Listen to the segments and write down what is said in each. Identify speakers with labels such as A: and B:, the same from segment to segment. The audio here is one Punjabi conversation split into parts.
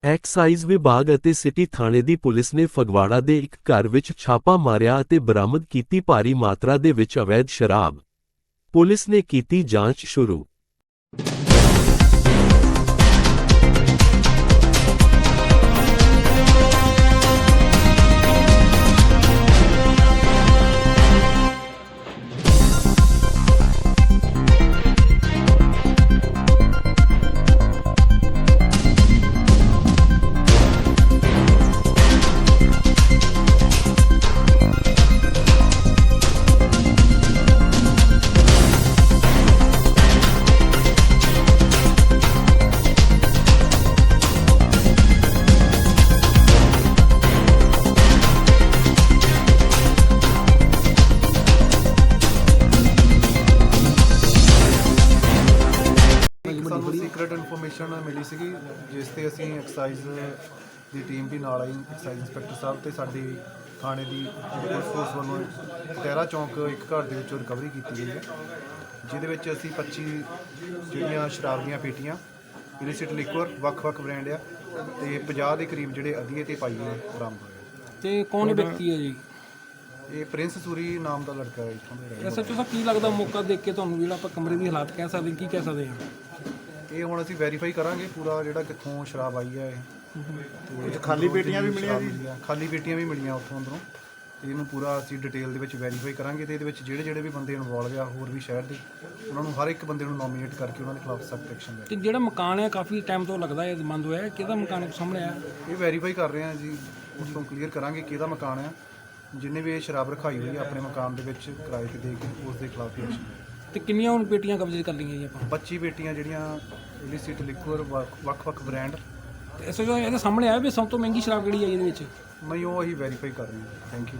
A: ਐਕਸਾਈਜ਼ ਵਿਭਾਗ ਅਤੇ ਸਿਟੀ ਥਾਣੇ ਦੀ ਪੁਲਿਸ ਨੇ ਫਗਵਾੜਾ ਦੇ ਇੱਕ ਘਰ ਵਿੱਚ ਛਾਪਾ ਮਾਰਿਆ ਅਤੇ ਬਰਾਮਦ ਕੀਤੀ ਭਾਰੀ ਮਾਤਰਾ ਦੇ ਵਿੱਚ ਅਵੈਧ ਸ਼ਰਾਬ। ਪੁਲਿਸ ਨੇ ਕੀਤੀ ਜਾਂਚ ਸ਼ੁਰੂ।
B: ਸਾਨੂੰ ਸੀਕ੍ਰੇਟ ਇਨਫੋਰਮੇਸ਼ਨ ਮਿਲੀ ਸੀਗੀ ਜਿਸ ਤੇ ਅਸੀਂ ਐਕਸਾਈਜ਼ ਦੀ ਟੀਮ ਵੀ ਨਾਲ ਆਈ। ਐਕਸਾਈਜ਼ ਇੰਸਪੈਕਟਰ ਸਾਹਿਬ ਤੇ ਸਾਡੀ ਥਾਣੇ ਦੀ ਪੁਲਿਸ ਫੋਰਸ ਵੱਲੋਂ ਟਹਿਰਾ ਚੌਂਕ ਇੱਕ ਘਰ ਦੇ ਵਿੱਚੋਂ ਰਿਕਵਰੀ ਕੀਤੀ ਗਈ ਹੈ, ਜਿਹਦੇ ਵਿੱਚ ਅਸੀਂ 25 ਜਿਹੜੀਆਂ ਸ਼ਰਾਬ ਦੀਆਂ ਪੇਟੀਆਂ ਇਲਿਸਿਟ ਲਿਕਵਰ ਵੱਖ-ਵੱਖ ਬ੍ਰਾਂਡ ਆ ਤੇ 50 ਦੇ ਕਰੀਬ ਜਿਹੜੇ ਅਧੀਏ ਤੇ ਪਾਈਏ ਬਰਾਮਦ ਹੋਏ।
C: ਤੇ ਕੌਣ ਵਿਅਕਤੀ ਹੈ ਜੀ?
B: ਇਹ ਪ੍ਰਿੰਸ ਸੂਰੀ ਨਾਮ ਦਾ ਲੜਕਾ ਹੈ ਇੱਥੋਂ ਦਾ।
C: ਐਸਐਚਓ ਸਾਹਿਬ ਕੀ ਲੱਗਦਾ ਮੌਕਾ ਦੇਖ ਕੇ ਤੁਹਾਨੂੰ ਜਿਹੜਾ ਆਪਾਂ ਕਮਰੇ ਦੀ ਹਾਲਾਤ ਕਹਿ ਸਕਦੇ ਕੀ ਕਹਿ ਸਕਦੇ ਹਾਂ?
B: ਇਹ ਹੁਣ ਅਸੀਂ ਵੈਰੀਫਾਈ ਕਰਾਂਗੇ ਪੂਰਾ ਜਿਹੜਾ ਕਿੱਥੋਂ ਸ਼ਰਾਬ ਆਈ ਹੈ ਇਹ।
D: ਖਾਲੀ ਪੇਟੀਆਂ ਵੀ ਮਿਲੀਆਂ ਜੀ?
B: ਖਾਲੀ ਪੇਟੀਆਂ ਵੀ ਮਿਲੀਆਂ ਉੱਥੋਂ ਅੰਦਰੋਂ। ਇਹਨੂੰ ਪੂਰਾ ਅਸੀਂ ਡਿਟੇਲ ਦੇ ਵਿੱਚ ਵੈਰੀਫਾਈ ਕਰਾਂਗੇ ਤੇ ਇਹਦੇ ਵਿੱਚ ਜਿਹੜੇ ਵੀ ਬੰਦੇ ਇਨਵੋਲਵ ਆ ਹੋਰ ਵੀ ਸ਼ਹਿਰ ਦੇ, ਉਹਨਾਂ ਨੂੰ ਹਰ ਇੱਕ ਬੰਦੇ ਨੂੰ ਨੋਮੀਨੇਟ ਕਰਕੇ ਉਹਨਾਂ ਦੇ ਖਿਲਾਫ ਸਖਤ ਐਕਸ਼ਨ ਲੈ।
C: ਤੇ ਜਿਹੜਾ ਮਕਾਨ ਹੈ ਕਾਫੀ ਟਾਈਮ ਤੋਂ ਲੱਗਦਾ ਹੈ ਬੰਦ ਹੋਇਆ, ਕਿਹਦਾ ਮਕਾਨ ਸਾਹਮਣੇ ਆਇਆ?
B: ਇਹ ਵੈਰੀਫਾਈ ਕਰ ਰਹੇ ਹਾਂ ਜੀ, ਉਸ ਤੋਂ ਕਲੀਅਰ ਕਰਾਂਗੇ ਕਿਹਦਾ ਮਕਾਨ ਆ। ਜਿੰਨੇ ਵੀ ਇਹ ਸ਼ਰਾਬ ਰਖਾਈ ਹੋਈ ਆ ਆਪਣੇ ਮਕਾਨ ਦੇ ਵਿੱਚ ਕਿਰਾਏ ਤੇ ਦੇ ਕੇ ਉਸ ਦੇ ਖਿਲਾਫ ਐਕਸ਼ਨ।
C: ਤੇ ਕਿੰਨੀਆਂ ਹੁਣ ਪੇਟੀਆਂ ਕਬਜ਼ੇ ਕਰ ਲਈਆਂ ਜੀ ਆਪਾਂ?
B: 25 ਪੇਟੀਆਂ ਜਿਹੜੀਆਂ ਇਲਿਸਿਟ ਲਿਕਵਰ ਵੱਖ-ਵੱਖ ਬ੍ਰਾਂਡ।
C: ਤੇ ਐਸਐਚਓ ਇਹਦੇ ਸਾਹਮਣੇ ਆਇਆ ਵੀ ਸਭ ਤੋਂ ਮਹਿੰਗੀ ਸ਼ਰਾਬ ਕਿਹੜੀ ਹੈ ਇਹਦੇ ਵਿੱਚ?
B: ਨਹੀਂ, ਉਹ ਅਸੀਂ ਵੈਰੀਫਾਈ ਕਰ ਰਹੇ ਹਾਂ। Thank you.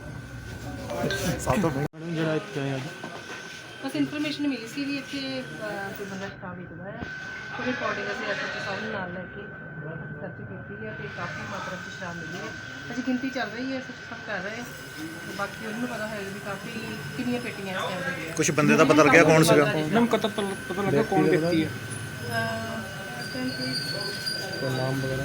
D: ਸਭ ਤੋਂ ਮੈਡਮ ਜਿਹੜਾ ਇੱਥੇ ਆਇਆ ਜੀ,
E: ਬਸ ਇਨਫੋਰਮੇਸ਼ਨ ਮਿਲੀ ਸੀ ਵੀ ਇੱਥੇ ਕੋਈ ਬੰਦਾ ਸ਼ਰਾਬ ਵੇਚਦਾ ਹੈ। ਉਹਦੇ ਅਕੋਰਡਿੰਗ ਅਸੀਂ ਐਸਐਚਓ ਸਾਹਿਬ ਨੂੰ ਨਾਲ ਲੈ ਕੇ ਸਰਚ ਕੀਤੀ ਹੈ ਤੇ ਕਾਫੀ ਮਾਤਰਾ ਵਿੱਚ ਸ਼ਰਾਬ ਮਿਲੀ ਹੈ। ਅਜੇ ਗਿਣਤੀ ਚੱਲ ਰਹੀ ਹੈ, ਐਸਐਚਓ ਸਾਹਿਬ ਕਰ ਰਹੇ ਤੇ ਬਾਕੀ ਉਹਨੂੰ ਪਤਾ ਹੋਏਗਾ ਵੀ ਕਾਫੀ ਕਿੰਨੀਆਂ ਪੇਟੀਆਂ ਇਸ ਟਾਈਮ ਦੇ।
D: ਕੁਝ ਬੰਦੇ ਦਾ ਪਤਾ ਲੱਗਿਆ ਕੌਣ ਸੀਗਾ?
C: ਮੈਮ ਪਤਾ ਲੱਗਾ ਕੌਣ ਵਿਅਕਤੀ ਹੈ?
E: ਇਸ ਟਾਈਮ
D: ਕੋਈ ਨਾਮ ਵਗੈਰਾ?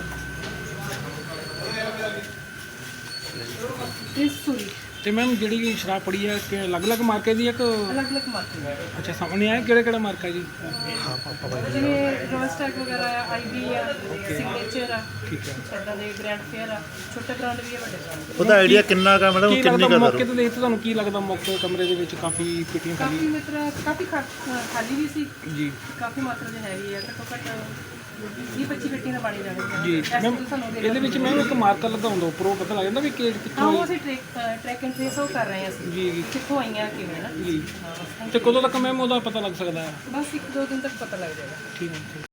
E: ਇਸ ਸੂਰੀ
C: ਤੇ ਮੈਮ ਜਿਹੜੀ ਸ਼ਰਾਬ ਪੜੀ ਹੈ ਕਿ ਅਲੱਗ-ਅਲੱਗ ਮਾਰਕੇ ਦੀ ਹੈ ਕਿ?
E: ਅਲੱਗ-ਅਲੱਗ ਮਾਰਕੀਟ।
C: ਅੱਛਾ, ਸਾਹਮਣੇ ਆਇਆ ਕਿਹੜਾ ਮਾਰਕਾ ਜੀ?
E: ਜਿਵੇਂ ਰੋਸਟੈਕ ਵਗੈਰਾ ਆ, ਆਈਬੀ ਆ, ਸਿਗਨੇਚਰ ਆ,
C: ਠੀਕ ਹੈ।
E: ਇੱਦਾਂ ਦੇ ਗ੍ਰੈਂਡ ਫੇਅਰ ਆ, ਛੋਟੇ ਬ੍ਰਾਂਡ ਵੀ ਆ, ਵੱਡੇ ਬ੍ਰਾਂਡ।
D: ਉਹਦਾ ਆਈਡੀਆ ਕਿੰਨਾ ਕਾ ਮੈਡਮ,
C: ਕੀ
D: ਕਿੰਨੀ
C: ਲੱਗਦਾ
D: ਕਾ
C: ਮੌਕੇ ਤੇ ਦੇਖ ਤੁਹਾਨੂੰ ਕੀ ਲੱਗਦਾ ਮੌਕੇ ਕਮਰੇ ਦੇ ਵਿੱਚ ਕਾਫੀ ਪੇਟੀਆਂ
E: ਕਾਫੀ
C: ਖਾਲੀ?
E: ਮਾਤਰਾ ਕਾਫੀ ਖਾਲੀ ਵੀ ਸੀ,
C: ਜੀ
E: ਕਾਫੀ ਮਾਤਰਾ ਦੀ ਹੈਗੀ ਆ। ਘੱਟੋ ਘੱਟ 20-25 ਪੇਟੀ ਨਾਲ ਬਾਣੀ ਜਾਣੀ
C: ਜੀ ਮੈਮ, ਇਹਦੇ ਵਿੱਚ ਮੈਮ ਇੱਕ ਮਾਰਕਰ ਲੱਗਾ ਹੁੰਦਾ ਉੱਪਰੋਂ ਪਤਾ ਲੱਗ ਜਾਂਦਾ ਵੀ ਕਿੱਥੋਂ
E: ਉਹ ਅਸੀਂ ਟਰੈਕ ਐਂਡ ਟ੍ਰੇਸ ਉਹ ਕਰ ਰਹੇ ਹਾਂ ਅਸੀਂ
C: ਜੀ
E: ਕਿੱਥੋਂ ਆਈਆਂ ਕਿਵੇਂ ਨਾ।
C: ਜੀ। ਤੇ ਕਦੋਂ ਤੱਕ ਮੈਮ ਉਹਦਾ ਪਤਾ ਲੱਗ ਸਕਦਾ ਹੈ?
E: ਬਸ 1-2 ਦਿਨ ਤੱਕ ਪਤਾ ਲੱਗ ਜਾਏਗਾ।
C: ਠੀਕ ਹੈ।